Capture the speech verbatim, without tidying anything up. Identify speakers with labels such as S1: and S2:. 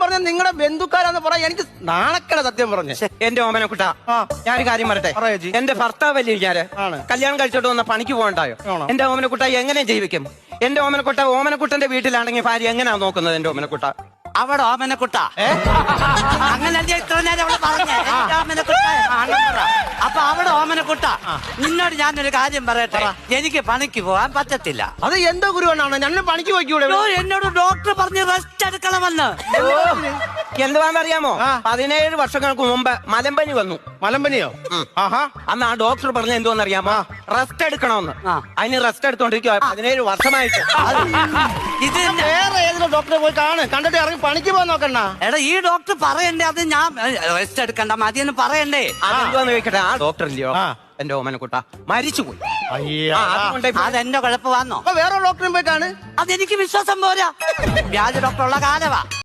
S1: പറഞ്ഞ നിങ്ങളുടെ ബന്ധുക്കാരാന്ന് പറയാ എനിക്ക് നാണക്കേട സത്യം പറഞ്ഞു.
S2: എന്റെ ഓമനക്കുട്ട ഞാനൊരു കാര്യം പറയട്ടെ.
S1: പറയാ ചേച്ചി.
S2: എന്റെ ഭർത്താവല്ലേ ഞാന്
S1: ആണ്.
S2: കല്യാണം കഴിച്ചോട്ട് വന്ന പണിക്ക് പോകണ്ടായോ?
S1: ആണോ?
S2: എന്റെ ഓമനക്കുട്ട എങ്ങനെ ജീവിക്കും? എന്റെ ഓമനക്കുട്ട ഓമനക്കുട്ടന്റെ വീട്ടിലാണെങ്കിൽ ഭാര്യ എങ്ങനെയാ നോക്കുന്നത്? എന്റെ ഓമനക്കുട്ട
S3: അവിടെ ഓമനക്കുട്ട അങ്ങനെ ഇത്ര നേരം അവള് പറഞ്ഞേ ഓമനക്കുട്ട. അപ്പൊ അവിടെ ഓമനക്കുട്ട നിന്നോട് ഞാനൊരു കാര്യം പറയട്ടെ. എനിക്ക് പണിക്ക് പോകാൻ പറ്റത്തില്ല.
S1: അത് എന്തോ ഗുരുവനാണ് ഞങ്ങൾ പണിക്ക് പോയിക്കൂടെ?
S3: ഓ, എന്നോട് ഡോക്ടർ പറഞ്ഞ് റെസ്റ്റ് എടുക്കണമെന്ന്.
S2: എന്തുവാന്നറിയാമോ? പതിനേഴ് വർഷങ്ങൾക്ക് മുമ്പ് മലമ്പനി വന്നു.
S1: മലമ്പനിയോ? ആഹാ.
S2: അന്ന് ആ ഡോക്ടർ പറഞ്ഞ എന്തോന്നറിയാമോ? റെസ്റ്റ് എടുക്കണമെന്ന്. അതിന് റെസ്റ്റ് എടുത്തോണ്ടിരിക്കുക പതിനേഴ് വർഷമായിട്ട്.
S3: ഇത്
S1: വേറെ ഏതെങ്കിലും ഡോക്ടറെ പോയി കാണ്, കണ്ടിട്ട് ഇറങ്ങി പണിക്ക് പോകാൻ നോക്കണ്ട.
S3: എടാ ഈ ഡോക്ടർ പറയണ്ടേ? അത് ഞാൻ റെസ്റ്റ് എടുക്കണ്ട മതിയെന്ന് പറയണ്ടേ?
S2: അതെന്തുവാന്ന് ചോദിക്കട്ടെ. ആ ഡോക്ടർ ഇല്ലയോ എന്റെ ഓമനക്കുട്ട മരിച്ചുപോയി.
S3: അതെന്റെ കുഴപ്പമാണോ?
S1: വേറെ ഡോക്ടറെ പോയി കാണ്.
S3: അതെനിക്ക് വിശ്വാസം പോരാ. വ്യാജ ഡോക്ടറുള്ള കാലവാ.